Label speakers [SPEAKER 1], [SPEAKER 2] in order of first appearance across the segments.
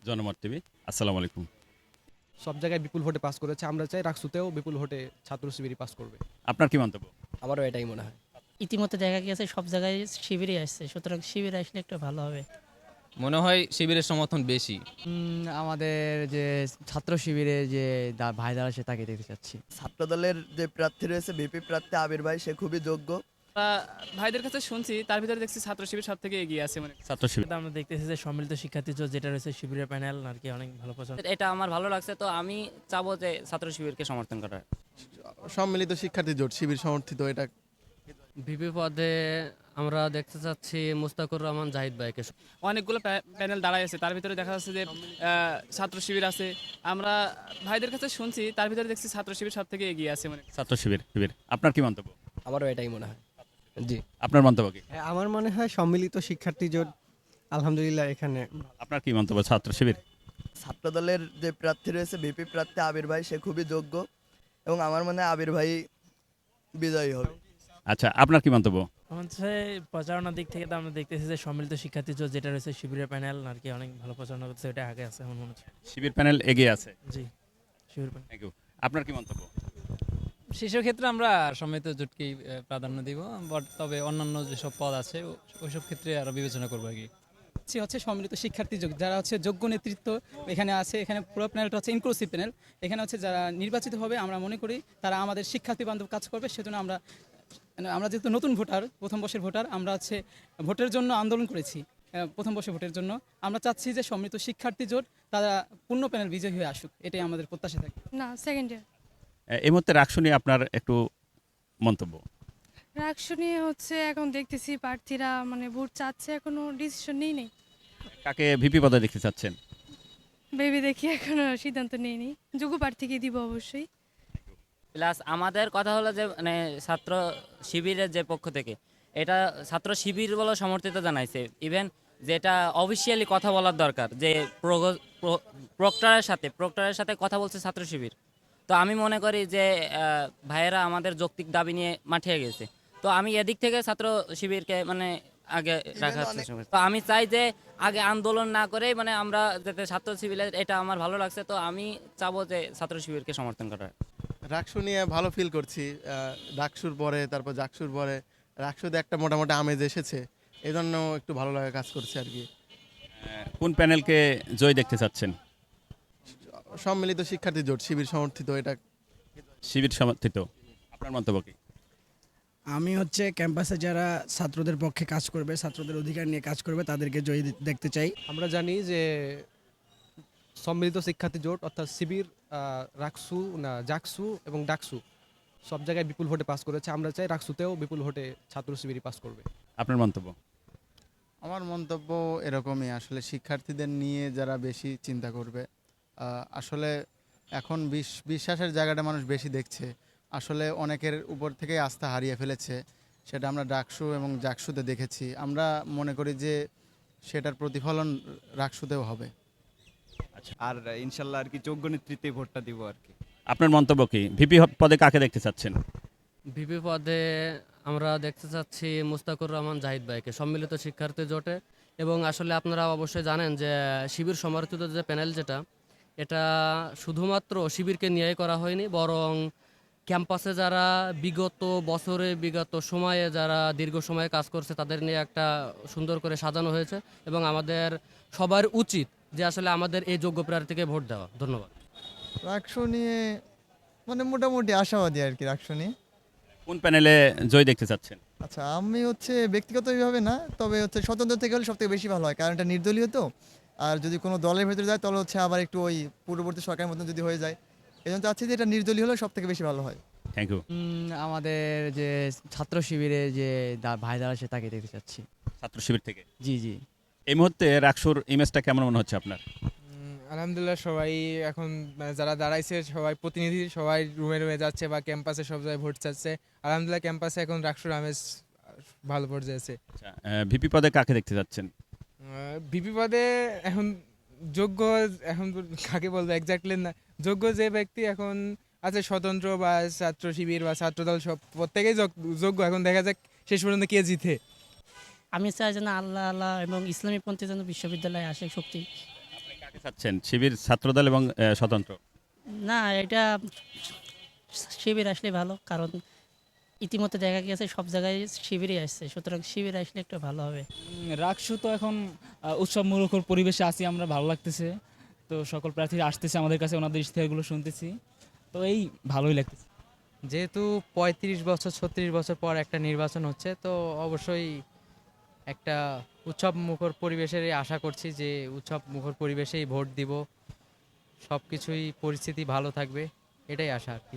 [SPEAKER 1] জনমত টিভি। আসসালামু আলাইকুম।
[SPEAKER 2] সব জায়গায় বিপুল ভোটে পাস করেছে। আমরা চাই রাকসুতেও বিপুল ভোটে ছাত্র শিবিরই পাস করবে।
[SPEAKER 1] আপনার কি মন্তব্য?
[SPEAKER 3] আমারও এটাই মনে হয়।
[SPEAKER 4] ইতিমধ্যে দেখা গেছে সব জায়গায় শিবিরই আসছে, সুতরাং শিবির আসলে একটু ভালো হবে।
[SPEAKER 5] মনে হয় শিবিরের সমর্থন বেশি।
[SPEAKER 6] আমাদের যে ছাত্র শিবিরে যে ভাই দাঁড়া সে তাকে দেখতে চাচ্ছি।
[SPEAKER 7] ছাত্রদলের যে প্রার্থী রয়েছে ভিপি প্রার্থী আবির ভাই, সে খুবই যোগ্য।
[SPEAKER 8] ভাইদের কাছে শুনছি, তার ভিতরে দেখছি ছাত্র শিবির সব থেকে এগিয়ে আছে। মানে
[SPEAKER 1] ছাত্র শিবির।
[SPEAKER 4] আমরা দেখতেছি যে সম্মিলিত শিক্ষার্থী জোট যেটা রয়েছে শিবিরের প্যানেল আর কি অনেক ভালো পছন্দ।
[SPEAKER 3] এটা আমার ভালো লাগছে, তো আমি চাবো যে ছাত্র শিবিরকে সমর্থন করার।
[SPEAKER 9] সম্মিলিত শিক্ষার্থী জোট শিবির সমর্থিত এটা।
[SPEAKER 6] ভিপি পদে আমরা দেখতে চাচ্ছি মুস্তাকুর রহমান জাহিদ ভাইকে।
[SPEAKER 8] অনেকগুলো প্যানেল দাঁড়ায় আছে, তার ভিতরে দেখা যাচ্ছে যে ছাত্র শিবির আছে। আমরা ভাইদের কাছে শুনছি, তার ভিতরে দেখছি ছাত্র শিবির সব থেকে এগিয়ে আছে। মানে
[SPEAKER 1] ছাত্র শিবির। আপনার কি মন্তব্য?
[SPEAKER 3] আমারও এটাই মনে হয়। জি,
[SPEAKER 1] আপনার মন্তব্য কি?
[SPEAKER 2] আমার মনে হয় সম্মিলিত শিক্ষার্থী জোট আলহামদুলিল্লাহ এখানে।
[SPEAKER 1] আপনার কি মন্তব্য ছাত্র শিবির?
[SPEAKER 7] ছাত্রদলের যে প্রার্থী রয়েছে ভিপি প্রার্থী আবির ভাই, সে খুবই যোগ্য এবং আমার মনে হয় আবির ভাই বিজয়ী হবে।
[SPEAKER 1] আচ্ছা, আপনার কি মন্তব্য?
[SPEAKER 4] হচ্ছে প্রচারণার দিক থেকে তো আমরা দেখতেছি যে সম্মিলিত শিক্ষার্থী জোট যেটা রয়েছে শিবিরের প্যানেল আর কি অনেক ভালো প্রচারণা করছে, ওটা আগে আছে আমার মনে হচ্ছে।
[SPEAKER 1] শিবির প্যানেল এগিয়ে আছে।
[SPEAKER 4] জি, শিবির প্যানেল।
[SPEAKER 1] Thank you. আপনার কি মন্তব্য?
[SPEAKER 5] সেসব ক্ষেত্রে আমরা সম্মিলিত জোটকেই প্রাধান্য দিব, বাট তবে অন্যান্য যেসব পদ আছে ওইসব ক্ষেত্রে আরো বিবেচনা করবো আর কি।
[SPEAKER 8] হচ্ছে সম্মিলিত শিক্ষার্থী যোগ, যারা হচ্ছে যোগ্য নেতৃত্ব এখানে আছে। এখানে পুরো প্যানেলটা হচ্ছে ইনক্লুসিভ প্যানেল। এখানে হচ্ছে যারা নির্বাচিত হবে, আমরা মনে করি তারা আমাদের শিক্ষার্থী বান্ধব কাজ করবে। সেজন্য আমরা যেহেতু নতুন ভোটার, প্রথম বর্ষের ভোটার, আমরা হচ্ছে ভোটের জন্য আন্দোলন করেছি। প্রথম বর্ষে ভোটের জন্য আমরা চাচ্ছি যে সম্মিলিত শিক্ষার্থী জোট তারা পূর্ণ প্যানেল বিজয়ী হয়ে আসুক, এটাই আমাদের প্রত্যাশা থাকে।
[SPEAKER 10] না, সেকেন্ড ইয়ার।
[SPEAKER 1] এই মুহূর্তে রাকসু নিয়ে আপনার একটু মন্তব্য।
[SPEAKER 10] রাকসু নিয়ে হচ্ছে এখন দেখতেছি প্রার্থীরা মানে ভোট চাচ্ছে, এখনো ডিসিশন নেই।
[SPEAKER 1] কাকে ভিপি পদে দেখতে চাচ্ছেন?
[SPEAKER 10] ভেবে দেখি, এখনো সিদ্ধান্ত নেইনি। যোগ্য প্রার্থীকে দিব অবশ্যই।
[SPEAKER 3] প্লাস আমাদের কথা হলো যে মানে ছাত্র শিবিরের যে পক্ষ থেকে এটা ছাত্র শিবির বলে সমর্থিত জানাইছে। ইভেন যেটা অফিসিয়ালি কথা বলার দরকার, যে প্রক্টরের সাথে কথা বলছে ছাত্র শিবির। তো আমি মনে করি যে ভাইয়েরা আমাদের যৌক্তিক দাবি নিয়ে মাঠিয়ে গেছে। তো আমি এদিক থেকে ছাত্র শিবিরকে মানে আগে রাখার চেষ্টা করি। তো আমি চাই যে আগে আন্দোলন না করে মানে আমরা যাতে ছাত্র শিবিরের, এটা আমার ভালো লাগছে, তো আমি চাবো যে ছাত্র শিবিরকে সমর্থন করার।
[SPEAKER 9] রাকসু নিয়ে ভালো ফিল করছি। ডাকসুর পরে তারপর জাকসুর পরে রাকসুতে একটা মোটামুটি আমেজ এসেছে, এই জন্য একটু ভালো লাগা কাজ করছে আর কি।
[SPEAKER 1] কোন প্যানেলকে জয় দেখতে চাচ্ছেন?
[SPEAKER 9] সম্মিলিত শিক্ষার্থী জোট শিবির সমর্থিত এটা।
[SPEAKER 1] শিবির সমর্থিত। আপনার মন্তব্য কি?
[SPEAKER 6] আমি হচ্ছে ক্যাম্পাসে যারা ছাত্রদের পক্ষে কাজ করবে, ছাত্রদের অধিকার নিয়ে কাজ করবে, তাদেরকে জয়ী দেখতে চাই।
[SPEAKER 2] আমরা জানি যে সম্মিলিত শিক্ষার্থী জোট অর্থাৎ শিবির, রাকসু না জাকসু এবং ডাকসু সব জায়গায় বিপুল ভোটে পাস করেছে। আমরা চাই রাকসুতেও বিপুল ভোটে ছাত্র শিবিরই পাস করবে।
[SPEAKER 1] আপনার মন্তব্য?
[SPEAKER 9] আমার মন্তব্য এরকমই, আসলে শিক্ষার্থীদের নিয়ে যারা বেশি চিন্তা করবে। আসলে এখন বিশ্বাসের জায়গাটা মানুষ বেশি দেখছে, আসলে অনেকের উপর থেকে আস্থা হারিয়ে ফেলেছে। সেটা আমরা ডাকসু এবং জাকসুতে দেখেছি। আমরা মনে করি যে সেটার প্রতিফলন রাকসুতেও হবে।
[SPEAKER 11] আর ইনশাল্লাহ আর কি যোগ্য নেতৃত্বে ভোটটা দিব আর কি।
[SPEAKER 1] আপনার মন্তব্য কি? ভিপি পদে কাকে দেখতে চাচ্ছেন?
[SPEAKER 6] ভিপি পদে আমরা দেখতে চাচ্ছি মুস্তাকুর রহমান জাহিদ ভাইকে, সম্মিলিত শিক্ষার্থী জোটে। এবং আসলে আপনারা অবশ্যই জানেন যে শিবির সমর্থিত যে প্যানেল যেটা, এটা শুধুমাত্র শিবিরকে নিয়েই করা হয়নি, বরং ক্যাম্পাসে যারা বিগত সময়ে যারা দীর্ঘ সময়ে কাজ করছে তাদের নিয়ে একটা সুন্দর করে সাজানো হয়েছে। এবং আমাদের সবার উচিত যে আসলে আমাদের এই যোগ্য প্রার্থীকে ভোট দেওয়া। ধন্যবাদ।
[SPEAKER 7] রাকসু নিয়ে মানে মোটামুটি আশাবাদী আর কি রাকসু নিয়ে।
[SPEAKER 1] কোন প্যানেলে জয় দেখতে চাচ্ছেন?
[SPEAKER 7] আচ্ছা, আমি হচ্ছে ব্যক্তিগতভাবে না, তবে হচ্ছে স্বতন্ত্র থেকে হলে সব থেকে বেশি ভালো হয়, কারণ এটা নির্দলীয় তো। আর যদি কোনো দলের ভেতরে যায় তাহলে হচ্ছে আবার একটু ওই পূর্ববর্তী সরকারের মতন যদি হয়ে যায়, এই জন্য চাচ্ছি যে এটা নির্দলীয় হলে সব থেকে বেশি ভালো হয়।
[SPEAKER 1] Thank you.
[SPEAKER 6] আমাদের যে ছাত্র শিবিরে যে ভাই দাঁড়া সে তাকে দেখতে চাচ্ছি।
[SPEAKER 1] ছাত্র শিবির থেকে।
[SPEAKER 6] জি।
[SPEAKER 1] এই মুহূর্তে রাকসুর ইমেজটা কেমন মনে হচ্ছে আপনার?
[SPEAKER 8] আলহামদুলিল্লাহ, সবাই এখন মানে যারা দাঁড়াইছে সবাই প্রতিনিধি, সবাই রুমে রুমে যাচ্ছে বা ক্যাম্পাসে সব জায়গায় ভোট চাচ্ছে। আলহামদুলিল্লাহ, ক্যাম্পাসে এখন রাকসুর আমেজ ভালো পর্যায়ে আছে।
[SPEAKER 1] আচ্ছা, ভিপি পদে কাকে দেখতে চাচ্ছেন?
[SPEAKER 8] ভিপি পদে এখন যোগ্য, এখন কাকে বলবো এক্স্যাক্টলি না, যোগ্য যে ব্যক্তি এখন আছে স্বতন্ত্র বা ছাত্র শিবির বা ছাত্রদল সব প্রত্যেকেই যোগ্য। এখন দেখা যাক শেষ পর্যন্ত কে জিতে।
[SPEAKER 4] আমি চাই যেন আল্লাহ এবং ইসলামী পন্থী যেন বিশ্ববিদ্যালয়ে আসে শক্তি।
[SPEAKER 1] কাকে চাচ্ছেন, শিবির, ছাত্রদল এবং স্বতন্ত্র?
[SPEAKER 12] না, এটা শিবির আসলে ভালো, কারণ ইতিমধ্যে দেখা গেছে সব জায়গায় শিবিরই আসছে, সুতরাং শিবির আসলে একটু ভালো হবে।
[SPEAKER 5] রাকসু তো এখন উৎসব মুখর পরিবেশে আছি আমরা, ভালো লাগতেছে। তো সকল প্রার্থীরা আসতেছে আমাদের কাছে, ওনাদের ইশতেহারগুলো শুনতেছি, তো এই ভালোই লাগতেছে।
[SPEAKER 6] যেহেতু 35 বছর 36 বছর পর একটা নির্বাচন হচ্ছে, তো অবশ্যই একটা উৎসব মুখর পরিবেশেরই আশা করছি, যে উৎসব মুখর পরিবেশেই ভোট দিব, সব কিছুই পরিস্থিতি ভালো থাকবে, এটাই আশা আর কি।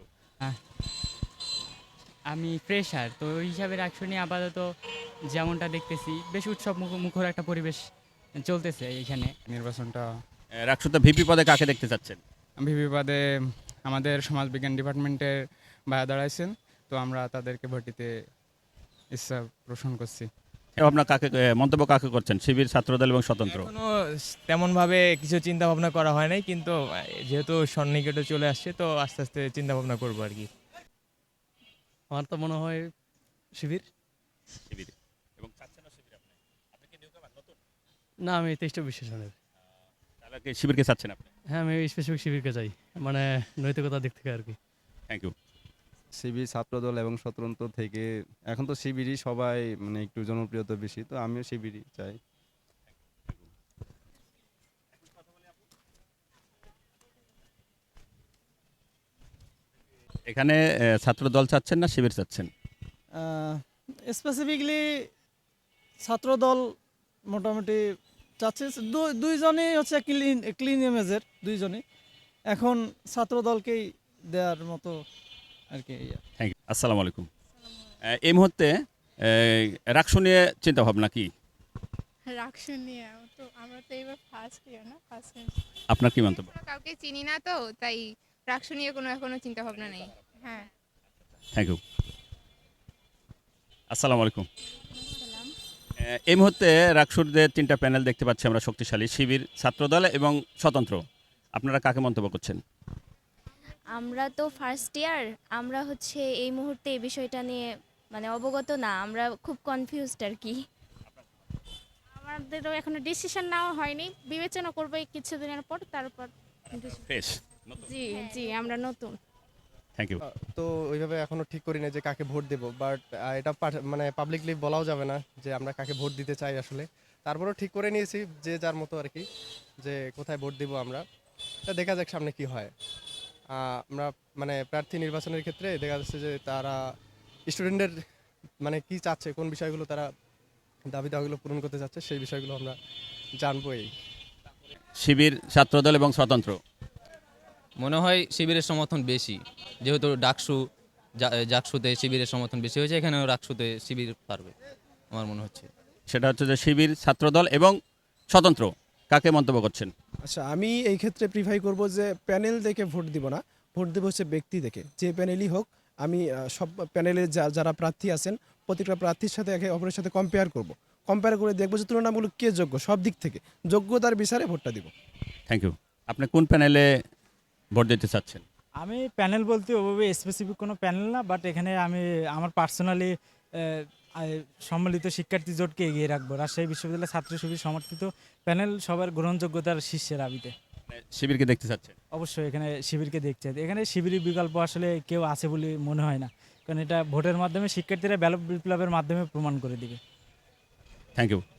[SPEAKER 5] আমি ফ্রেশার, তো ওই হিসাবে রাকসু নিয়ে আপাতত যেমনটা দেখতেছি বেশ উৎসব মুখর একটা পরিবেশ চলতেছে এইখানে। নির্বাচনটা
[SPEAKER 1] রাকসুতে ভিপি পদে কাকে দেখতে চাচ্ছেন?
[SPEAKER 5] ভিপি পদে আমাদের সমাজবিজ্ঞান ডিপার্টমেন্টের ভাইয়া দাঁড়াইছেন, তো আমরা তাদেরকে ভোট দিতে ইচ্ছা পোষণ করছি।
[SPEAKER 1] আপনার কাকে মন্তব্য কাকে করছেন, শিবির, ছাত্রদল এবং স্বতন্ত্র?
[SPEAKER 13] এখনো তেমনভাবে কিছু চিন্তা ভাবনা করা হয় নাই, কিন্তু যেহেতু সন্নিকটে চলে আসছে, তো আস্তে আস্তে চিন্তা ভাবনা করবো আর কি।
[SPEAKER 6] আমার তো মনে হয় শিবির।
[SPEAKER 1] শিবির। এবং চাচ্ছেন না শিবির আপনি? আপনি কি নিউকামার, নতুন?
[SPEAKER 6] না, আমি 23টা বিশ্বাসনের।
[SPEAKER 1] তাহলে কি শিবিরকে চাচ্ছেন আপনি?
[SPEAKER 6] হ্যাঁ, আমি স্পেসিফিক শিবিরকে চাই, মানে নৈতিকতার দিক থেকে আর কি।
[SPEAKER 1] Thank you.
[SPEAKER 11] শিবির, ছাত্রদল এবং স্বতন্ত্র থেকে এখন তো শিবিরই সবাই মানে একটু জনপ্রিয়তা বেশি, তো আমিও শিবিরই চাই।
[SPEAKER 1] এখানে ছাত্রদল চাচ্ছেন না শিবির চাচ্ছেন?
[SPEAKER 8] স্পেসিফিকলি ছাত্রদল মোটামুটি চাচ্ছে, দুইজনেই হচ্ছে ক্লিন ইমেজের, দুইজনই এখন ছাত্রদলকেই দেওয়ার মতো আর কি।
[SPEAKER 1] Thank you. আসসালামু আলাইকুম। এই মুহূর্তে রাকসু নিয়ে চিন্তা ভাবনা কি?
[SPEAKER 10] রাকসু নিয়ে তো আমরা তো এবার ফার্স্ট ইয়ার না, ফার্স্ট
[SPEAKER 1] আপনার কি মন্তব্য?
[SPEAKER 10] কাউকে চিনি না, তো তাই রাকসু নিয়ে কোনো এখনো চিন্তা ভাবনা নেই। হ্যাঁ,
[SPEAKER 1] থ্যাংক ইউ। আসসালামু আলাইকুম। এই মুহূর্তে রাকসুর যে 3টা প্যানেল দেখতে পাচ্ছি আমরা শক্তিশালী, শিবির, ছাত্রদল এবং স্বতন্ত্র। আপনারা কাকে মন্তব্য করছেন?
[SPEAKER 10] আমরা তো ফার্স্ট ইয়ার, আমরা হচ্ছে এই মুহূর্তে এই বিষয়টা নিয়ে মানে অবগত না, আমরা খুব কনফিউজড আর কি। আমাদেরও এখনো ডিসিশন নেওয়া হয়নি, বিবেচনা করবো এই কিছুদিনের পর, তারপর।
[SPEAKER 1] ফ্রেশ।
[SPEAKER 10] জি জি, আমরা নতুন।
[SPEAKER 1] Thank you.
[SPEAKER 2] তো ওইভাবে এখনো ঠিক করি না যে কাকে ভোট দেব, বাট এটা মানে পাবলিকলি বলাও যাবে না যে আমরা কাকে ভোট দিতে চাই আসলে। তারপরেও ঠিক করে নিয়েছি যে যার মতো আর কি, যে কোথায় ভোট দিব আমরা। তা দেখা যাক সামনে কি হয়। আমরা মানে প্রার্থী নির্বাচনের ক্ষেত্রে দেখা যাচ্ছে যে তারা স্টুডেন্টদের মানে কি চাচ্ছে, কোন বিষয়গুলো তারা দাবি দাওয়াগুলো পূরণ করতে চাচ্ছে, সেই বিষয়গুলো আমরা জানবো। এই
[SPEAKER 1] শিবির, ছাত্রদল এবং স্বতন্ত্র।
[SPEAKER 5] মনে হয় শিবিরের সমর্থন বেশি, যেহেতু জাকসুতে শিবিরের সমর্থন বেশি হয়েছে, এখানেও রাকসুতে শিবির পারবে আমার মনে হচ্ছে।
[SPEAKER 1] সেটা হচ্ছে যে শিবির, ছাত্রদল এবং স্বতন্ত্র। কাকে মন্তব্য করছেন?
[SPEAKER 8] আচ্ছা, আমি এই ক্ষেত্রে প্রিফাই করব যে প্যানেল দেখে ভোট দিব না, ভোট দেবো হচ্ছে ব্যক্তি দেখে, যে প্যানেলই হোক। আমি সব প্যানেলে যারা প্রার্থী আছেন প্রত্যেকটা প্রার্থীর সাথে একে অপরের সাথে কম্পেয়ার করে দেখবো যে তুলনামূলক কে যোগ্য, সব দিক থেকে যোগ্যতার বিচারে ভোটটা দিব।
[SPEAKER 1] Thank you. আপনি কোন প্যানেলে ভোট দিতে চাচ্ছেন?
[SPEAKER 8] আমি প্যানেল বলতে ওভাবে স্পেসিফিক কোনো প্যানেল না, বাট এখানে আমি আমার পার্সোনালি সম্মিলিত শিক্ষার্থী জোটকে এগিয়ে রাখবো। রাজশাহী বিশ্ববিদ্যালয় ছাত্র শিবির সমর্থিত প্যানেল সবার গ্রহণযোগ্যতার শীর্ষে দাবিতে।
[SPEAKER 1] শিবিরকে দেখতে চাচ্ছেন?
[SPEAKER 8] অবশ্যই এখানে শিবিরকে দেখতে, এখানে শিবিরের বিকল্প আসলে কেউ আছে বলে মনে হয় না, কারণ এটা ভোটের মাধ্যমে শিক্ষার্থীরা ব্যালট বিপ্লবের মাধ্যমে প্রমাণ করে দিবে।
[SPEAKER 1] Thank you.